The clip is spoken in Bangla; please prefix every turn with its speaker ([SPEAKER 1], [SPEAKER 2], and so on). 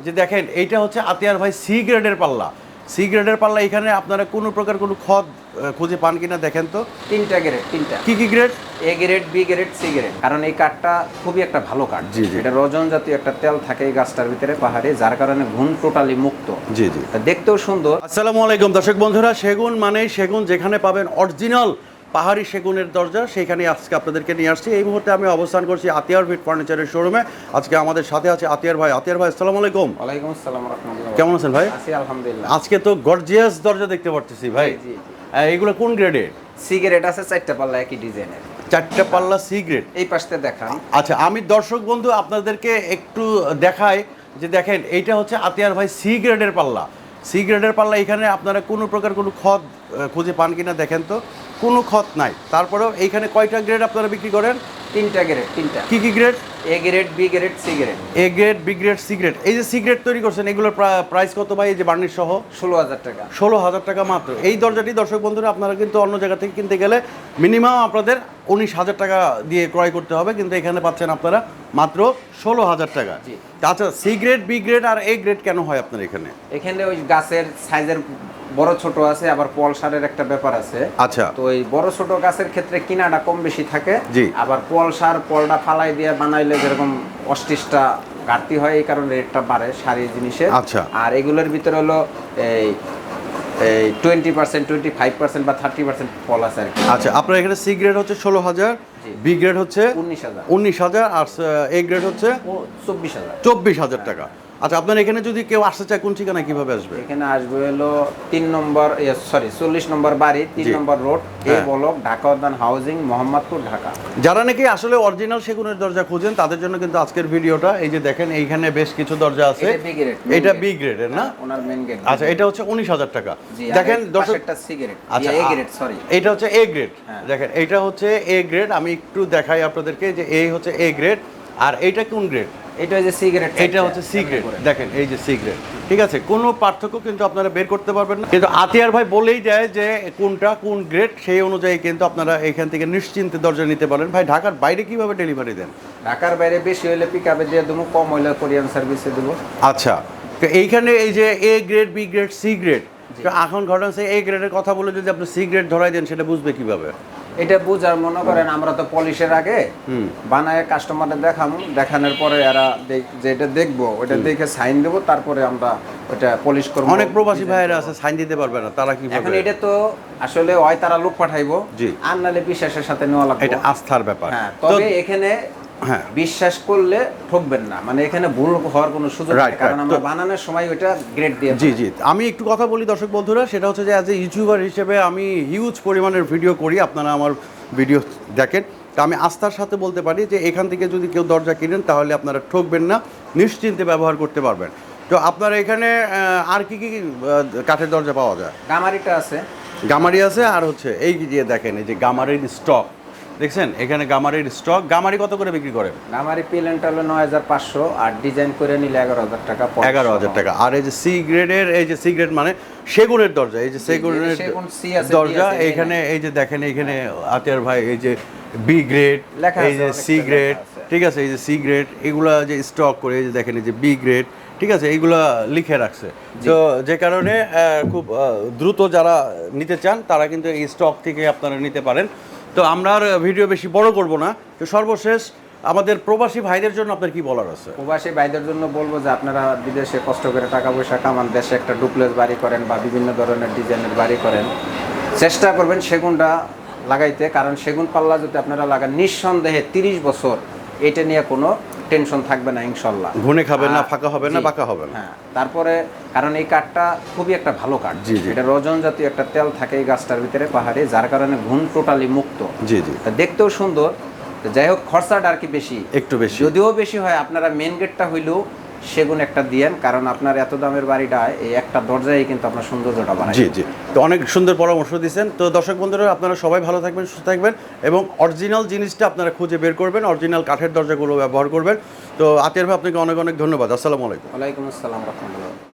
[SPEAKER 1] যে দেখেন এইটা হচ্ছে আতিয়ার ভাই সি গ্রেডের পাল্লা। সি গ্রেডের পাল্লা এখানে আপনারা কোনো প্রকার কোনো খদ খুঁজে পান কিনা দেখেন তো।
[SPEAKER 2] তিনটা গ্রেড, তিনটা।
[SPEAKER 1] কি grade?
[SPEAKER 2] A grade, B grade, C grade. কারণ এই কাঠটা খুবই একটা ভালো কাঠ।
[SPEAKER 1] জি জি।
[SPEAKER 2] এটা রজন জাতীয় একটা তেল থাকে এই গাছটার ভিতরে পাহাড়ে, যার কারণে ঘুণ টোটালি মুক্ত।
[SPEAKER 1] জি জি।
[SPEAKER 2] দেখতেও সুন্দর।
[SPEAKER 1] আসসালামু আলাইকুম দর্শক বন্ধুরা, সেগুন মানে সেগুন, যেখানে পাবেন অরিজিনাল পাহাড়ি সেগুনের দরজা, সেইখানে আজকে আপনাদেরকে নিয়ে আসছি। এই মুহূর্তে আমি অবস্থান করছি আতিয়ার ভিট ফার্নিচারের শোরুমে। আজকে আমাদের সাথে আছে আতিয়ার ভাই। আতিয়ার ভাই আসসালামু আলাইকুম।
[SPEAKER 2] ওয়ালাইকুম আসসালাম ওয়া রাহমাতুল্লাহ।
[SPEAKER 1] কেমন আছেন ভাই?
[SPEAKER 2] আছি আলহামদুলিল্লাহ।
[SPEAKER 1] আজকে তো গর্জিয়াস দরজা দেখতে পাচ্ছি ভাই।
[SPEAKER 2] জি জি।
[SPEAKER 1] এগুলো কোন গ্রেডের?
[SPEAKER 2] সি গ্রেড আছে, চারটা পাল্লা একই ডিজাইনের।
[SPEAKER 1] চারটা পাল্লা সি গ্রেড।
[SPEAKER 2] এই পাশে দেখান।
[SPEAKER 1] আচ্ছা, আমি দর্শক বন্ধু আপনাদেরকে একটু দেখাই যে দেখেন এইটা হচ্ছে আতিয়ার ভাই সি গ্রেডের পাল্লা। সি গ্রেডের পাল্লা এখানে আপনারা কোনো প্রকার কোনো খদ খুঁজে পান কিনা দেখেন তো। কোনো খত নাই। তারপরেও এইখানে কয়টা গ্রেড আপনারা বিক্রি করেন?
[SPEAKER 2] তিনটা গ্রেড, তিনটা।
[SPEAKER 1] কি grade?
[SPEAKER 2] A grade, B grade, C grade.
[SPEAKER 1] A grade, B grade, C grade. এই যে সি গ্রেড তৈরি করছেন, এগুলোর প্রাইস কত ভাই? এই যে বার্নিশ সহ
[SPEAKER 2] 16,000 টাকা।
[SPEAKER 1] 16,000 টাকা মাত্র। এই দরজাটি দর্শক বন্ধুরা আপনারা কিন্তু অন্য জায়গা থেকে কিনতে গেলে মিনিমাম আপনাদের 19,000 টাকা দিয়ে ক্রয় করতে হবে, কিন্তু এখানে পাচ্ছেন আপনারা মাত্র 16,000 টাকা। আচ্ছা, সি গ্রেড, বি গ্রেড আর এ গ্রেড কেন হয় আপনার এখানে?
[SPEAKER 2] এখানে ওই গাছের সাইজের বড় ছোট আছে, আবার পলসারের একটা ব্যাপার আছে।
[SPEAKER 1] আচ্ছা।
[SPEAKER 2] তো এই বড় ছোট গাছের ক্ষেত্রে কিনাটা কম বেশি থাকে।
[SPEAKER 1] জি।
[SPEAKER 2] আবার পলটা ফালাই দিয়ে বানাইলে যেরকম 28টা ঘাটতি হয়, এই কারণে রেটটা বাড়ে সারি জিনিসের।
[SPEAKER 1] আচ্ছা।
[SPEAKER 2] আর এগুলোর ভিতরে হলো এই 20%, 25% বা 30% ফল আছে আর কি।
[SPEAKER 1] আচ্ছা, আপনার এখানে সি গ্রেড হচ্ছে 16,000, বি গ্রেড হচ্ছে 19,000 আর এ গ্রেড হচ্ছে 24,000 টাকা। আচ্ছা, আপনার এখানে যদি কেউ আসতে চায় কোন ঠিকানায় কিভাবে আসবে?
[SPEAKER 2] এখানে আসবে হলো 40 নম্বর বাড়ি, 3 number road, A block, Dhaka Udyan housing, Mohammadpur, Dhaka.
[SPEAKER 1] যারা নাকি আসলে অরিজিনাল সেগুনের দরজা খুঁজেন তাদের জন্য কিন্তু আজকের ভিডিওটা। এই যে দেখেন এইখানে বেশ কিছু দরজা আছে। এটা বি গ্রেডের না?
[SPEAKER 2] ওনার মেইন গেট।
[SPEAKER 1] আচ্ছা, এটা হচ্ছে 19,000 টাকা। দেখেন দর্শক,
[SPEAKER 2] এটা সি গ্রেড।
[SPEAKER 1] আচ্ছা,
[SPEAKER 2] এ গ্রেড, সরি।
[SPEAKER 1] এটা হচ্ছে এ গ্রেড। দেখেন এটা হচ্ছে এ গ্রেড। আমি একটু দেখাই আপনাদেরকে যে এই হচ্ছে এ গ্রেড আর এইটা কোন গ্রেড?
[SPEAKER 2] এটা হচ্ছে সি গ্রেড।
[SPEAKER 1] এটা হচ্ছে সি গ্রেড। দেখেন এই যে সি গ্রেড, ঠিক আছে? কোনো পার্থক্য কিন্তু আপনারা বের করতে পারবেন না, কিন্তু আতিয়ার ভাই বলেই দেয় যে কোনটা কোন গ্রেড, সেই অনুযায়ী কিন্তু আপনারা এখান থেকে নিশ্চিন্তে দরজা নিতে পারেন। ভাই, ঢাকার বাইরে কিভাবে ডেলিভারি দেন?
[SPEAKER 2] ঢাকার বাইরে বেশি হলে পিকআপে দিয়ে দেবো, কম হলে কোরিয়ান সার্ভিসে দেবো।
[SPEAKER 1] আচ্ছা, তো এইখানে এই যে A grade, B grade, C grade, তো এখন ঘটনা হচ্ছে এ গ্রেডের কথা বলে যদি আপনি সি গ্রেড ধরাই দেন, সেটা বুঝবে কিভাবে?
[SPEAKER 2] এটা বুঝার, মনে করেন আমরা তো পলিশের আগে বানায় কাস্টমারদের দেখানোর পরে এরা যেটা দেখবো ওটা দেখে সাইন দেবো, তারপরে আমরা ওটা পলিশ করবো।
[SPEAKER 1] অনেক প্রবাসী ভাইয়েরা আছে সাইন দিতে পারবে না, তারা কি
[SPEAKER 2] এখন এটা তো আসলে হয় তারা লোক পাঠাইবো, আর নালে বিশ্বাসের সাথে নেওয়া লাগবে,
[SPEAKER 1] এটা আস্থার ব্যাপার।
[SPEAKER 2] হ্যাঁ, তবে এখানে বিশ্বাস করলে ঠকবেন না, মানে এখানে ভুল হওয়ার কোনো সুযোগ নেই, কারণ আমরা বানানোর সময় ওটা গ্রেড দিয়ে।
[SPEAKER 1] জি জি। আমি একটু কথা বলি দর্শক বন্ধুরা, সেটা হচ্ছে যে অ্যাজ এ ইউটিউবার হিসেবে আমি হিউজ পরিমাণের ভিডিও করি, আপনারা আমার ভিডিও দেখেন, তা আমি আস্থার সাথে বলতে পারি যে এখান থেকে যদি কেউ দরজা কিনেন তাহলে আপনারা ঠকবেন না, নিশ্চিন্তে ব্যবহার করতে পারবেন। তো আপনারা এখানে আর কি কি কাঠের দরজা পাওয়া যায়?
[SPEAKER 2] গামারিটা আছে,
[SPEAKER 1] গামারি আছে, আর হচ্ছে এই যে দেখেন এই যে গামারির স্টক দেখছেন, এখানে গামারির স্টক। গামারি কত করে বিক্রি করেন?
[SPEAKER 2] গামারি প্লেনটা হলো 9,500, আর ডিজাইন করে নিলে 11,000 টাকা।
[SPEAKER 1] 11,000 টাকা। আর এই যে সি গ্রেডের, এই যে সি গ্রেড মানে সেগুনের দরজা, এই যে সেগুনের দরজা, এইখানে এই যে দেখেন এইখানে আতিয়ার ভাই এই যে বি গ্রেড, এই যে সি গ্রেড, ঠিক আছে? এই যে সি গ্রেড, এগুলা যে স্টক করে, এই যে দেখেন এই যে বি গ্রেড, ঠিক আছে? এইগুলা লিখে রাখছে। তো যে কারণে খুব দ্রুত যারা নিতে চান তারা কিন্তু এই স্টক থেকে আপনারা নিতে পারেন। তো আমরা আর ভিডিও বেশি বড় করব না। তো সর্বশেষ আমাদের প্রবাসী ভাইদের জন্য আপনার কি বলার আছে?
[SPEAKER 2] প্রবাসী ভাইদের জন্য বলবো যে আপনারা বিদেশে কষ্ট করে টাকা পয়সা কামান, দেশে একটা ডুপ্লেক্স বাড়ি করেন বা বিভিন্ন ধরনের ডিজাইনের বাড়ি করেন, চেষ্টা করবেন সেগুনটা লাগাইতে, কারণ সেগুন পাল্লা যদি আপনারা লাগান নিঃসন্দেহে 30 বছর এটা নিয়ে কোনো টেনশন থাকবে না ইনশাল্লাহ।
[SPEAKER 1] ঘুনে খাবে না, ফাঁকা হবে না, বাঁকা হবে না।
[SPEAKER 2] হ্যাঁ, তারপরে কারণ এই কাঠটা খুবই একটা ভালো কাঠ। এটা রজন জাতীয় একটা তেল থাকে এই গাছটার ভিতরে পাহাড়ে, যার কারণে ঘুণ টোটালি মুক্ত।
[SPEAKER 1] জি জি।
[SPEAKER 2] দেখতেও সুন্দর। যাই হোক, খরচাটা আর কি বেশি,
[SPEAKER 1] একটু বেশি,
[SPEAKER 2] যদিও বেশি হয়। আপনারা মেন গেটটা হইলেও সেগুন একটা দিয়েন, কারণ আপনার এত দামের বাড়িটা এই একটা দরজায় কিন্তু আপনার সৌন্দর্যটা বাড়ায়।
[SPEAKER 1] জি জি। তো অনেক সুন্দর পরামর্শ দিচ্ছেন। তো দর্শক বন্ধুরা, আপনারা সবাই ভালো থাকবেন, সুস্থ থাকবেন এবং অরিজিনাল জিনিসটা আপনারা খুঁজে বের করবেন, অরিজিনাল কাঠের দরজাগুলো ব্যবহার করবেন। তো আতিয়ার ভাই, আপনাকে অনেক অনেক ধন্যবাদ। আসসালামু আলাইকুম।
[SPEAKER 2] ওয়ালাইকুম আসসালাম রাহমাতুল্লাহ।